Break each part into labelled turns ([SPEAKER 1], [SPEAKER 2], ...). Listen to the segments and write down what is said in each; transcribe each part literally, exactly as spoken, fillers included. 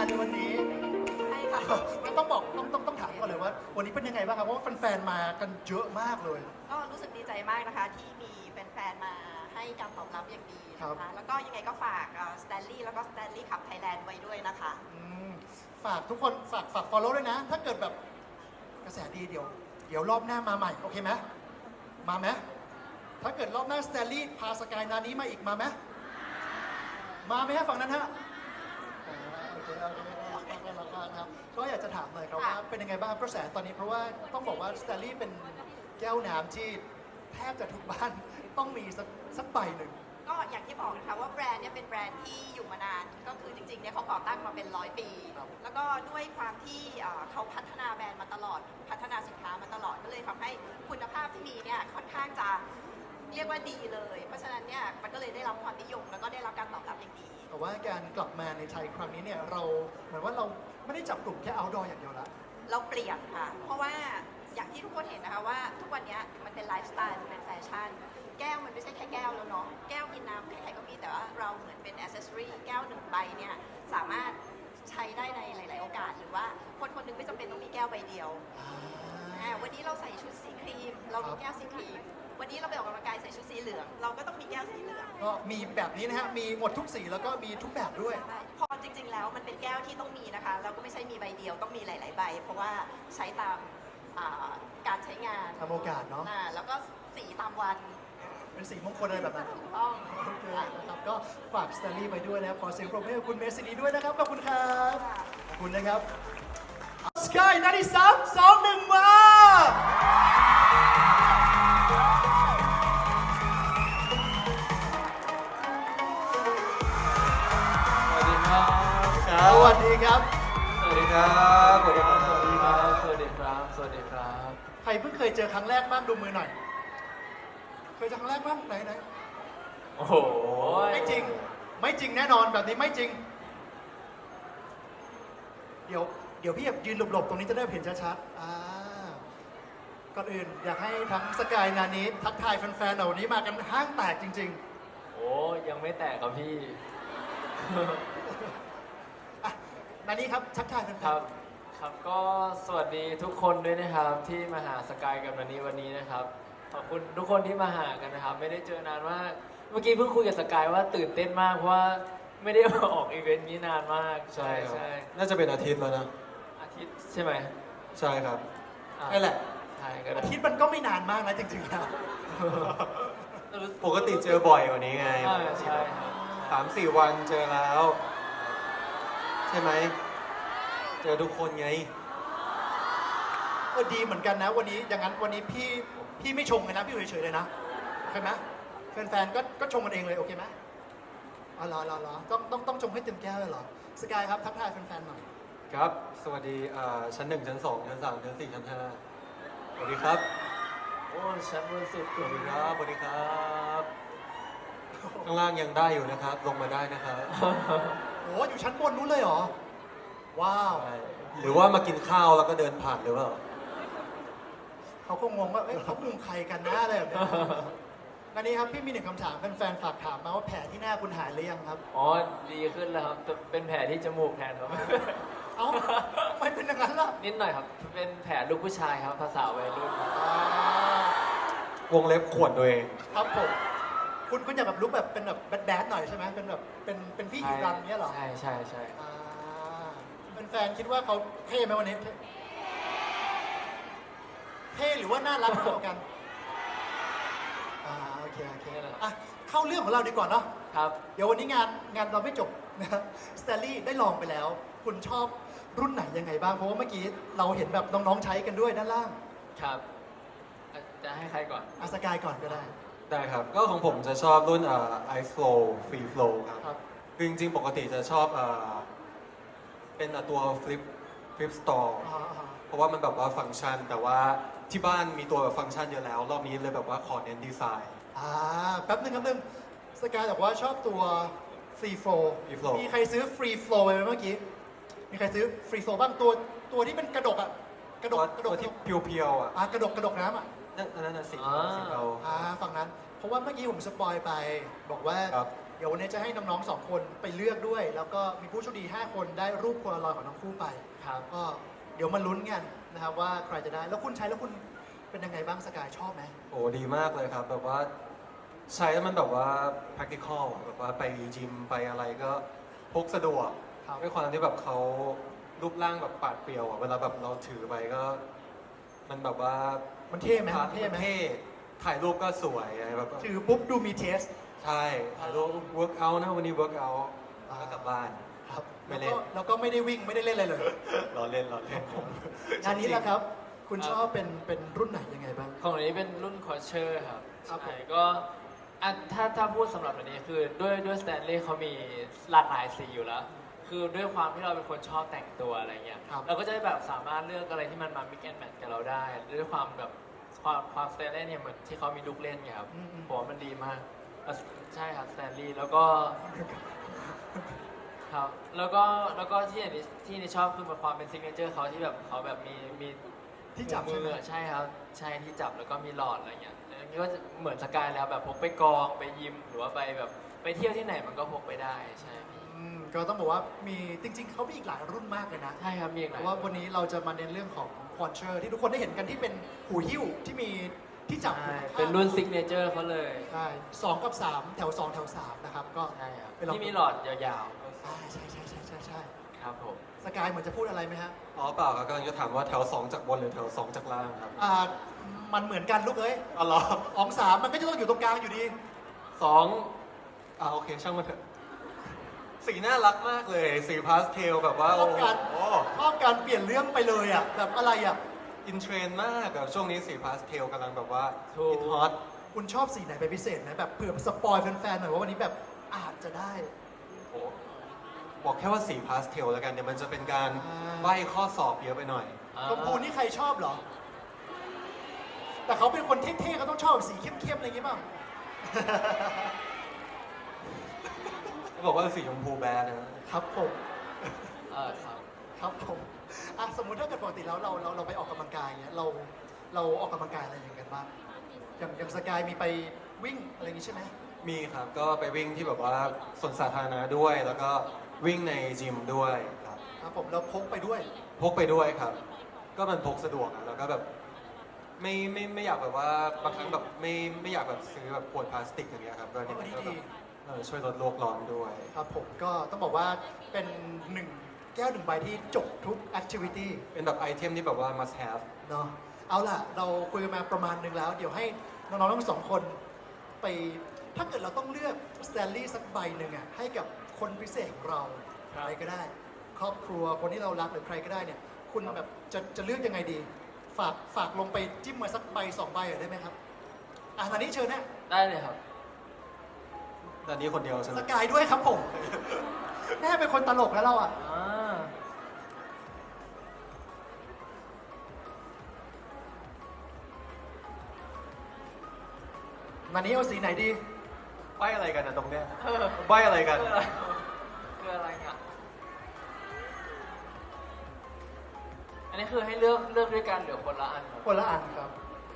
[SPEAKER 1] ในวันนี้
[SPEAKER 2] ใช่ค่ะ
[SPEAKER 1] ก็ต้องบอกต้องต้องต้องถามก่อนเลยว่า วันนี้เป็นยังไงบ้างครับเพราะว่าแฟนๆมากันเยอะมากเลย
[SPEAKER 2] ก็รู้สึกดีใจมากนะคะที่มีแฟนๆมาให้การตอบรับอย่างดี
[SPEAKER 1] ครั
[SPEAKER 2] นะ
[SPEAKER 1] บ
[SPEAKER 2] คะแล้วก็ยังไงก็ฝากสแตนลี่แล้วก็สแตนลี่ขับไทยแลนด์ไว้ด้วยนะคะ
[SPEAKER 1] อืมฝากทุกคนฝากฝาก follow ด้วยนะ ถ้าเกิดแบบกระแสดีเดี๋ยว เดี๋ยวรอบหน้ามาใหม่ โอเคไหมมาไหมถ้าเกิดรอบหน้าสแตนลี่พาสกายนานี้มาอีกมาไหมมาไหมฮะฝั่งนั้นฮะอ่าโอเคโอเคน่ารักมากน่ารักมากนะครับก็อยากจะถามหน่อยครับว่าเป็นยังไงบ้างกระแสตอนนี้เพราะว่าต้องบอกว่าสแตนลี่เป็นแก้วน้ำที่แทบจะทุกบ้านต้องมีสักสักใบหนึ่ง
[SPEAKER 2] ก็อย่างที่บอกนะคะว่าแบรนด์เนี่ยเป็นแบรนด์ที่อยู่มานาน ก็คือจริงๆเนี่ยเขาก่อตั้งมาเป็นร้อยปี
[SPEAKER 1] ครับ
[SPEAKER 2] แล้วก็ด้วยความที่เอ่อเขาพัฒนาแบรนด์มาตลอด พัฒนาสินค้ามาตลอดก็เลยทำให้คุณภาพที่มีเนี่ยค่อนข้างจะเรียกว่าดีเลย เพราะฉะนั้นเนี่ยมันก็เลยได้รับความนิยมแล้วก็ได้รับการตอบรับอย่างดี
[SPEAKER 1] แต่ว่าการกลับมาในไทยครั้งนี้เนี่ยเราเหมือนว่าเราไม่ได้จับกลุ่มแค่ outdoor อย่างเดียวละ
[SPEAKER 2] เราเปลี่ยนค่ะ เพราะว่าอย่างที่ทุกคนเห็นนะคะว่าทุกวันนี้มันเป็นไลฟ์สไตล์มันเป็นแฟชั่น แก้วมันไม่ใช่แค่แก้วแล้วเนาะ แก้วกินน้ำใครๆก็มีแต่ว่าเราเหมือนเป็นอ c เซสซอรี่แก้วหนึ่งใบเนี่ยสามารถใช้ได้ในหลาย ๆ โอกาส หรือว่าคนคนหนึงไม่จำเป็นต้องมีแก้วใบเดียวอ่าวันนี้เราใส่ชุดสีครีม เรามีแก้วสีครีม วันนี้เราไปออกกำลังกายใส่ชุดสีเหลือง เราก็ต้องมีแก้วสีเหลือง
[SPEAKER 1] ก็มีแบบนี้นะฮะ มีหมดทุกสีแล้วก็มีทุกแบบด้วย
[SPEAKER 2] ใช่พอจริง ๆ แล้วมันเป็นแก้วที่ต้องมีนะคะแล้วก็ไม่ใช่มีใบเดียวต้องมีหลาย ๆ ใบ เพราะว่าใช้ตามอ่าการใช้งาน
[SPEAKER 1] ตามโอกาสเนาะ
[SPEAKER 2] อ่าแล้วก็สีตามวัน
[SPEAKER 1] เป็นสีมงคลอะไรแบบนั้น
[SPEAKER 2] ถูกต้อง
[SPEAKER 1] โอเคนะครับ ก็ฝากสแตนลีย์ไว้ด้วยนะครับ ขอเสียงปรบมือให้กับคุณเมซินีด้วยนะครับ ขอบคุณครับ ขอบคุณนะครับสกายนาทีสามสองหนึ่งมา
[SPEAKER 3] สวัสดีครับ
[SPEAKER 1] สวัสดีครับ
[SPEAKER 3] สวัสดีครับ สวัสดีครับ สวัสดีครับ สวัสดีครับ สวัสดีครับ
[SPEAKER 1] ใครเพิ่งเคยเจอครั้งแรกบ้างดูมือหน่อย เคยเจอครั้งแรกบ้างไหนไหน
[SPEAKER 3] โอ้โห
[SPEAKER 1] ไม่จริง ไม่จริงแน่นอนแบบนี้ไม่จริง เดี๋ยวเดี๋ยวพี่แบบยืนหลบๆ ตรงนี้จะได้เห็นชัดๆอ่าก่อนอื่นอยากให้ทั้งสกายนานี้ทักทายแฟนๆเหล่านี้มากันห้างแตกจริง
[SPEAKER 3] โอ้ยังไม่แตกครับพี่
[SPEAKER 1] ๆอ่ะนานี้ครับทักทายแฟนๆ
[SPEAKER 3] ครับ ครับก็สวัสดีทุกคนด้วยนะครับ ที่มาหาสกายกับนันนี้วันนี้นะครับ ขอบคุณทุกคนที่มาหากันนะครับ ไม่ได้เจอนานมาก เมื่อกี้เพิ่งคุยกับสกายว่าตื่นเต้นมากเพราะว่าไม่ได้มาออกอีเวนต์นี้นานมาก ใช่
[SPEAKER 4] ครับ
[SPEAKER 3] ใช่
[SPEAKER 4] น่าจะเป็นอาทิตย์แล้วนะ
[SPEAKER 3] อาทิตย์ใช่ไหม
[SPEAKER 4] ใช่ครับ
[SPEAKER 3] อ่
[SPEAKER 1] นั่นแหละ
[SPEAKER 3] ใช่ก็ได้
[SPEAKER 1] อาทิตย์มันก็ไม่นานมากนะจริงๆแล้ว
[SPEAKER 4] ปกติเจอบ่อยกว่านี้ไง
[SPEAKER 3] อ่าใช่ครับ
[SPEAKER 4] สามสี่วันเจอแล้ว ใช่ไหม เจอทุกคนไง
[SPEAKER 1] เออดีเหมือนกันนะวันนี้อย่างนั้นวันนี้พี่พี่ไม่ชงเลยนะพี่อยู่เฉยๆเลยนะโอเคไหมแฟนๆก็ก็ชงกันเองเลยโอเคไหมอ๋อเหรอเหรอเหรอต้องต้องต้องชงให้เต็มแก้วเลยเหรอสกายครับทักทายแฟนๆหน่อย
[SPEAKER 4] ครับ สวัสดีอ่าชั้นหนึ่งชั้นสองชั้นสามชั้นสี่ชั้นห้าสวัสดีครับ
[SPEAKER 3] โอ้ชั้นบนสุด
[SPEAKER 4] สวัสดีครับ สวัสดีครับ ข้างล่างยังได้อยู่นะครับ ลงมาได้นะครับ
[SPEAKER 1] โอ้อยู่ชั้นบนนู้นเลยเหรอว้าว
[SPEAKER 4] ใช่หรือว่ามากินข้าวแล้วก็เดินผ่านหรือเปล่า
[SPEAKER 1] เขาก็งงว่าเอ้ยเขามุงใครกันนะอะไรแบบเนี้ยนันนี้ครับพี่มีหนึ่งคำถามแฟนๆฝากถามมาว่าแผลที่หน้าคุณหายหรือยังครับ
[SPEAKER 3] อ๋อดีขึ้นแล้วครับแต่เป็นแผลที่จมูกแทนครับ
[SPEAKER 1] เอ้าทำไมเป็นอย่างนั้นล่ะ
[SPEAKER 3] นิดหน่อยครับ เป็นแผลลูกผู้ชายครับ ภาษาวัยรุ่น
[SPEAKER 1] อ่าว
[SPEAKER 4] งเล็บขวดตัวเอง
[SPEAKER 1] ครับผมคุณคุณอยากแบบลุกแบบเป็นแบบแบดแดดหน่อยใช่ไหมเป็นแบบเป็นเป็นพี่ฮิรันเนี้ยเหรอ
[SPEAKER 3] ใช่ใช่ใช่
[SPEAKER 1] อ่าแฟนๆคิดว่าเขาเท่ไหมวันนี้เท่เท่หรือว่าน่ารักมากกว่ากันอ่าโอเคโอเคอ่ะเข้าเรื่องของเราดีกว่าเนาะ
[SPEAKER 3] ครับ
[SPEAKER 1] เดี๋ยววันนี้งานงานเราไม่จบนะครับสแตนลี่ได้ลองไปแล้ว คุณชอบรุ่นไหนยังไงบ้าง เพราะว่าเมื่อกี้เราเห็นแบบน้องๆใช้กันด้วยด้านล่าง
[SPEAKER 3] ครับอ่ะจะให้ใครก่อน
[SPEAKER 1] อาสกายก่อนก็ได้
[SPEAKER 4] ได้ครับ ก็ของผมจะชอบรุ่นอ่า Ice Flow Free Flow ครับ
[SPEAKER 1] ครับ
[SPEAKER 4] คือจริงๆ ปกติจะชอบอ่าเป็นอ่ะตัว Flip Flip Store
[SPEAKER 1] อ่าอ่า
[SPEAKER 4] เพราะว่ามันแบบว่าฟังก์ชัน แต่ว่าที่บ้านมีตัวแบบฟังก์ชันเยอะแล้ว รอบนี้เลยแบบว่าขอเน้นดีไซน์
[SPEAKER 1] อ่าแป๊บนึงแป๊บนึงสกายบอกว่าชอบตัว Free Flow
[SPEAKER 4] Free Flow
[SPEAKER 1] มีใครซื้อ Free Flow ไปไหมเมื่อกี้ มีใครซื้อ Free Flow บ้างตัวตัวที่เป็นกระดกอ่ะกระด
[SPEAKER 4] ตัว
[SPEAKER 1] กกระด
[SPEAKER 4] ตัว
[SPEAKER 1] ก
[SPEAKER 4] ที่เพียวๆอ่ะ
[SPEAKER 1] อ่ากระดกกระดกน้ำอ่ะ
[SPEAKER 4] นั่นนั่นน่ะสี
[SPEAKER 3] อ่า
[SPEAKER 4] สีเรา
[SPEAKER 1] อ่าฝั่งนั้น เพราะว่าเมื่อกี้ผมสปอยไป บอกว่า
[SPEAKER 4] ครับ
[SPEAKER 1] เดี๋ยววันนี้จะให้น้องๆสองคนไปเลือกด้วย แล้วก็มีผู้โชคดีห้าคนได้รูปโพลารอยด์ของทั้งคู่ไป
[SPEAKER 3] ครับ
[SPEAKER 1] ก็เดี๋ยวมาลุ้นกันนะครับว่าใครจะได้ แล้วคุณใช้แล้วคุณเป็นยังไงบ้างสกายชอบไหม
[SPEAKER 4] โอ้ดีมากเลยครับ แบบว่าใช้แล้วมันแบบว่า practical อะแบบว่าไปจิมไปอะไรก็พกสะดวก
[SPEAKER 1] ครับ
[SPEAKER 4] ด้วยความที่แบบเขารูปร่างแบบปาดเปรียวอะเวลาแบบเราถือไปก็ มันแบบว่า
[SPEAKER 1] มันเท่ไหม
[SPEAKER 4] พา
[SPEAKER 1] มันเท่ไหม
[SPEAKER 4] เท่ถ่ายรูปก็สวยอะไรแบบ
[SPEAKER 1] ถือปุ๊บดูมีเทส
[SPEAKER 4] ใช่ถ่ายรูป work out นะวันนี้ work out
[SPEAKER 1] อ่า
[SPEAKER 4] แล้วกลับบ้าน
[SPEAKER 1] ครับ
[SPEAKER 4] ไม่
[SPEAKER 1] แล้ว
[SPEAKER 4] เล่
[SPEAKER 1] ก็
[SPEAKER 4] น
[SPEAKER 1] แล้วก็ไม่ได้วิ่งไม่ได้เล่นอะไรเลย
[SPEAKER 4] รอเล่นรอเล่น
[SPEAKER 1] งานนี้แหละครับ คุณชอบเป็นเป็นรุ่นไหนยังไงบ้าง
[SPEAKER 3] ของอันนี้เป็นรุ่นคอเชอร์ครับ
[SPEAKER 1] ครับผม
[SPEAKER 3] ใช่ก็อ่ะถ้าถ้าพูดสำหรับอันนี้คือด้วยด้วยสแตนเลย์เขามีหลากหลายสีอยู่แล้ว คือด้วยความที่เราเป็นคนชอบแต่งตัวอะไรเงี้ย
[SPEAKER 1] ครับ
[SPEAKER 3] เราก็จะแบบสามารถเลือกอะไรที่มันมามิกแอนแมทกับเราได้ ด้วยความแบบความความสแตนเลย์เนี่ยเหมือนที่เขามีลูกเล่นไงครับ
[SPEAKER 1] อืมอืม
[SPEAKER 3] ผมว่ามันดีมากแล้วใช่ครับสแตนลีย์แล้วก็ ครับ แล้วก็แล้วก็ที่อันนี้ที่อันนี้ชอบคือความเป็นซิกเนเจอร์เขาที่แบบเขาแบบมีมี
[SPEAKER 1] ที่จับ
[SPEAKER 3] มื
[SPEAKER 1] ใช่ไหม
[SPEAKER 3] อใช่ครับ ใช่ที่จับแล้วก็มีหลอดอะไรเงี้ยอันนี้ก็จะเหมือนสกายแล้วแบบพกไปกองไปยิม หรือว่าไปแบบไปเที่ยวที่ไหนมันก็พกไปได้ใช่พี่
[SPEAKER 1] อืมก็ต้องบอกว่ามีจริง ๆเขามีอีกหลายรุ่นมากเลยนะ
[SPEAKER 3] ใช่ครับมีอีกห
[SPEAKER 1] เพ
[SPEAKER 3] ลาย
[SPEAKER 1] ราะว่าวันนี้เราจะมาเน้นเรื่องของควอนเชอร์ที่ทุกคนได้เห็นกันที่เป็นหูหิ้วที่มีที่จับอยู่
[SPEAKER 3] ใช่
[SPEAKER 1] ข้างๆ
[SPEAKER 3] เป็นรุ่นซิกเนเจอร์เขาเลย
[SPEAKER 1] ใช่สองกับสามแถวสองแถวสามนะครับก็
[SPEAKER 3] ใช่ครับ
[SPEAKER 1] ไปลอง
[SPEAKER 3] ที่มีหลอดยาว
[SPEAKER 1] อ่าใช่ใช่ใช่ใช่ใช่
[SPEAKER 3] ๆครับผม
[SPEAKER 1] สกายเหมือนจะพูดอะไรไหมฮะ
[SPEAKER 4] อ๋อเปล่าครับกำลังจะถามว่าแถวสองจากบนหรือแถวสองจากล่างครับ
[SPEAKER 1] อ่ามันเหมือนกันลูกเอ้ย
[SPEAKER 4] อ๋อเหรอ
[SPEAKER 1] อองสามมันก็จะต้องอยู่ตรงกลางอยู่ดี
[SPEAKER 4] สองอ่าโอเคช่างมันเถอะสีน่ารักมากเลย สีพาสเทลแบบว่า
[SPEAKER 1] ช
[SPEAKER 4] โอ้
[SPEAKER 1] อบการ
[SPEAKER 4] โห
[SPEAKER 1] ชอบการเปลี่ยนเรื่องไปเลยอ่ะแบบอะไรอ่ะ
[SPEAKER 4] อินเทรนด์มากแบบช่วงนี้สีพาสเทลกำลังแบบว่า
[SPEAKER 3] ถูก
[SPEAKER 4] ฮิตฮอต
[SPEAKER 1] คุณชอบสีไหนเป็นพิเศษไหมแบบเผื่อสปอยแฟนๆหน่อยว่าวันนี้แบบอาจจะได้
[SPEAKER 4] โอ้บอกแค่ว่าสีพาสเทลแล้วกันเดี๋ยวมันจะเป็นการ
[SPEAKER 1] อ่า
[SPEAKER 4] ใบ้ข้อสอบเยอะไปหน่อย
[SPEAKER 1] ชมพูนี่ใครชอบเหรอ แต่เขาเป็นคนเท่ๆเขาต้องชอบแบบสีเข้มๆอะไรอย่างงี้เปล่า
[SPEAKER 4] บอกว่าสีชมพูแบดนะครับ
[SPEAKER 1] ผม
[SPEAKER 3] เออครับ
[SPEAKER 1] ครับผมอ่ะสมมุติถ้าเกิดปกติแล้วเราเราเราไปออกกำลังกายเงี้ยเราเราออกกำลังกายอะไรอย่างกันบ้างอย่างอย่างสกายมีไปวิ่งอะไรอย่างงี้ใช่ไหม
[SPEAKER 4] มีครับก็ไปวิ่งที่แบบว่าสวนสาธารณะด้วย แล้วก็วิ่งในจิมด้วยครับ
[SPEAKER 1] ครับผมเราพกไปด้วย
[SPEAKER 4] พกไปด้วยครับ ก็มันพกสะดวกอะแล้วก็แบบไม่ไม่ไม่อยากแบบว่าบางครั้งแบบไม่ไม่อยากแบบซื้อแบบขวดพลาสติกอย่างเงี้ยครับก็นี่มันก็แบบเออช่วยลดโลกร้อนด้วย
[SPEAKER 1] ครับผมก็ต้องบอกว่าเป็นหนึ่งแก้วหนึ่งใบที่จบทุกแอคทิวิตี้
[SPEAKER 4] เป็นแบบไอเทมที่แบบว่า must have
[SPEAKER 1] เนาะเอาล่ะ เราคุยกันมาประมาณหนึ่งแล้ว เดี๋ยวให้น้องๆทั้งสองคนไป ถ้าเกิดเราต้องเลือกสแตนลี่สักใบหนึ่งอ่ะให้กับคนพิเศษของเรา
[SPEAKER 3] ครับ
[SPEAKER 1] ใครก็ได้ ครอบครัวคนที่เรารักหรือใครก็ได้เนี่ย คุณแบบจะจะเลือกยังไงดี ฝากฝากลงไปจิ้มมาสักใบสองใบหน่อยได้ไหมครับอ่ะตอนนี้เชิญนะ
[SPEAKER 3] ได้เลยครับ
[SPEAKER 4] ตอนนี้คนเดียวใช่ไหม
[SPEAKER 1] สกายด้วยครับผมแม่เป็นคนตลกแล้วเราอ่ะ
[SPEAKER 3] อ่า
[SPEAKER 1] วันนี้เอาสีไหนดี
[SPEAKER 4] ใบอะไรกันนะตรงเนี้ย
[SPEAKER 3] เออ
[SPEAKER 4] ใบอะไรกัน
[SPEAKER 3] คืออะไรคืออะไรเนี่ยอันนี้คือให้เลือกเลือกด้วยกันหรือคนละอันครับ
[SPEAKER 1] คนละอันครับ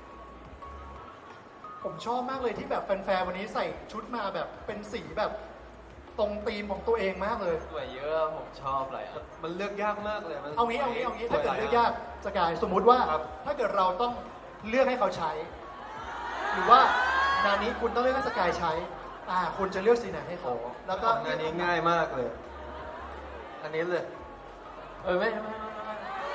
[SPEAKER 1] ผมชอบมากเลยที่แบบแฟนๆวันนี้ใส่ชุดมาแบบเป็นสีแบบตรงธีมของตัวเองมากเลย
[SPEAKER 3] สวยเยอะผมชอบอะไรอ่ะ
[SPEAKER 4] มันเลือกยากมากเลยมัน
[SPEAKER 1] เอางี้เอางี้เอางี้ถ้าเกิด
[SPEAKER 4] สวยห
[SPEAKER 1] เลื
[SPEAKER 4] ล
[SPEAKER 1] อกยากสกายสมมุติว่า
[SPEAKER 4] ครับ
[SPEAKER 1] ถ้าเกิดเราต้องเลือกให้เขาใช้ หรือว่างานนี้คุณต้องเลือกให้สกายใช้ อ่าคุณจะเลือกสีไหนให้เขา
[SPEAKER 4] โอ้
[SPEAKER 1] แล้วก็
[SPEAKER 4] งานนี้ง่ายมากเลย อันนี้เลย
[SPEAKER 3] เออไม่ไม่ไม่ไม่ไม่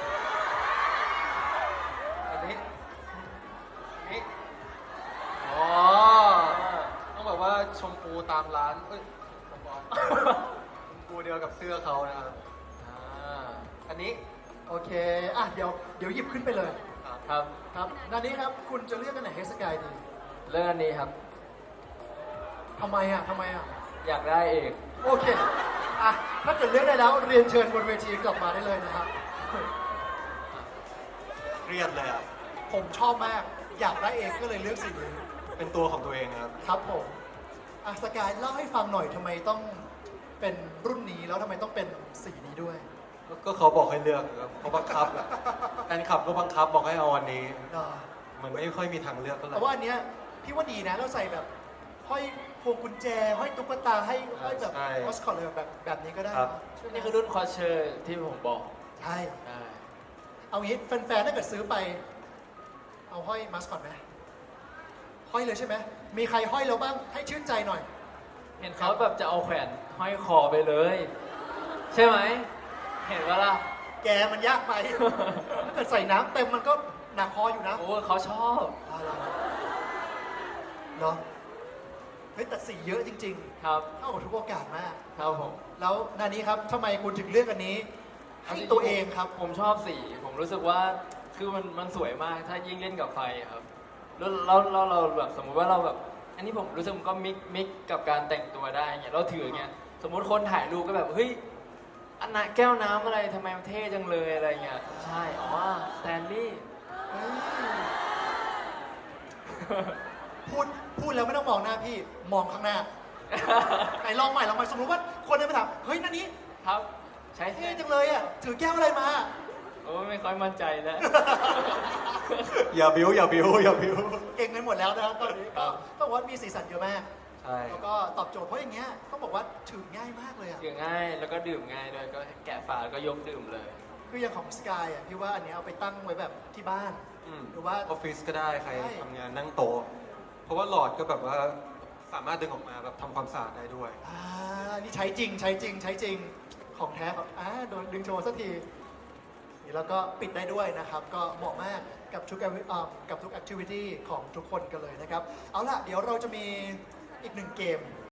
[SPEAKER 4] อันนี้อันนี้
[SPEAKER 3] อ๋อ
[SPEAKER 4] ต้องแบบว่าชมพูตามร้านเอ้ยสปอนชมพูเดียวกับเสื้อเขานะครับ
[SPEAKER 3] อ่า
[SPEAKER 4] อันนี้
[SPEAKER 1] โอเคอ่ะเดี๋ยวเดี๋ยวหยิบขึ้นไปเลย
[SPEAKER 4] ครับ
[SPEAKER 3] ครับ
[SPEAKER 1] ครับงานนี้ครับคุณจะเลือกกันไหนให้สกายดี
[SPEAKER 3] เรื่องอันนี้ครับ
[SPEAKER 1] ทำไมอ่ะทำไมอ่ะ
[SPEAKER 3] อยากได้เอก
[SPEAKER 1] โอเคอ่ะถ้าเกิดเลือกได้แล้วเรียนเชิญบนเวทีกลับมาได้เลยนะครับ
[SPEAKER 4] เครียดเลยอ่ะ
[SPEAKER 1] ผมชอบมากอยากได้เองก็เลยเลือกสีนี้
[SPEAKER 4] เป็นตัวของตัวเองครับ
[SPEAKER 1] ครับผมอ่ะสกายเล่าให้ฟังหน่อยทำไมต้องเป็นรุ่นนี้แล้วทำไมต้องเป็นสีนี้ด้วย
[SPEAKER 4] ก็เขาบอกให้เลือกครับเขาบังคับอะแฟนคลับก็บังคับบอกให้เอาอันนี้
[SPEAKER 1] เนาะ
[SPEAKER 4] มันไม่ค่อยมีทางเลือกเท่าไหร่
[SPEAKER 1] แต่ว่าอันเนี้ยพี่ว่าดีนะเราใส่แบบห้อยพวงกุญแจห้อยตุ๊กตาให้ห้อยแบบ
[SPEAKER 4] ใช่
[SPEAKER 1] มอสคอตเลยแบบแบบนี้ก็ได้
[SPEAKER 4] ครับ
[SPEAKER 1] นะใช่ไหม
[SPEAKER 3] นี่คือรุ่นคอเชอร์ที่ผมบอก
[SPEAKER 1] ใช่
[SPEAKER 3] ใช่
[SPEAKER 1] เอางี้แฟนๆถ้าเกิดซื้อไป เอาห้อยมัสคอตไหมห้อยเลยใช่ไหมมีใครห้อยแล้วบ้างให้ชื่นใจหน่อย
[SPEAKER 3] เห็นเขาแบบจะเอาแขวนห้อยคอไปเลย ใช่ไหม เห็นว่าล่ะ
[SPEAKER 1] แกมันยากไป ถ้าเกิดใส่น้ำเต็มมันก็หนักคออยู่นะ
[SPEAKER 3] โอ้เขาชอบ
[SPEAKER 1] เอาล่ะเนาะเฮ้ยแต่สีเยอะจริง
[SPEAKER 3] ครับ
[SPEAKER 1] ๆเข้ากับทุกโอกาสมาก
[SPEAKER 3] ครับผม
[SPEAKER 1] แล้วนานี้ครับทำไมคุณถึงเลือกอันนี้ให้ตัวเองครับ
[SPEAKER 3] ผมชอบสี ผมรู้สึกว่าคือมันมันสวยมากถ้ายิ่งเล่นกับไฟอะครับแล้วแล้วแล้วเราแบบสมมุติว่าเราแบบ อันนี้ผมรู้สึกมันก็มิกมิกกับการแต่งตัวได้เงี้ยเราถืออย่างเงี้ยสมมุติคนถ่ายรูปก็แบบเฮ้ยอันน่ะแก้วน้ำอะไรทำไมมันเท่จังเลยอะไรเงี้ยใช่อ๋อสแตนลี่
[SPEAKER 1] เฮ้ยพูดพูดแล้วไม่ต้องมองหน้าพี่มองข้างหน้าไหนลองใหม่ลองใหม่สมมติว่าคนเดินไปถามเฮ้ยนันนี้
[SPEAKER 3] ครับใช้
[SPEAKER 1] เท่จังเลยอ่ะถือแก้วอะไรมา
[SPEAKER 3] โอ้ไม่ค่อยมั่นใจแล้ว
[SPEAKER 4] อย่าบิ้วอย่าบิ้วอย่าบิ้ว
[SPEAKER 1] เก่งกันหมดแล้วนะครับตอนนี้
[SPEAKER 3] ครั
[SPEAKER 1] ก็
[SPEAKER 3] บ
[SPEAKER 1] ต้องบอกว่ามีสีสันเยอะมาก
[SPEAKER 4] ใช่
[SPEAKER 1] แล้วก็ตอบโจทย์เพราะอย่างเงี้ยต้องบอกว่าถือง่ายมากเลยอ่ะ
[SPEAKER 3] ดื่มง่ายแล้วก็ดื่มง่ายด้วยก็แกะฝาแล้วก็ยกดื่มเลย
[SPEAKER 1] คืออย่างของสกายอ่ะพี่ว่าอันเนี้ยเอาไปตั้งไว้แบบที่บ้าน
[SPEAKER 4] อืม
[SPEAKER 1] หรือว่า
[SPEAKER 4] ออฟฟิศก็ได้ใคร
[SPEAKER 1] ใช่
[SPEAKER 4] ทำงานนั่งโต๊ะเพราะว่าหลอดก็แบบว่าสามารถดึงออกมาแบบทำความสะอาดได้ด้วย
[SPEAKER 1] อ่านี่ใช้จริงใช้จริงใช้จริงของแท้ครับอ่าโดนดึงโชว์สักทีนี่แล้วก็ปิดได้ด้วยนะครับ ก็เหมาะมากกับทุก acti- อ่ากับทุกแอคทิวิตี้ของทุกคนกันเลยนะครับ เอาล่ะ เดี๋ยวเราจะมีอีกหนึ่งเกม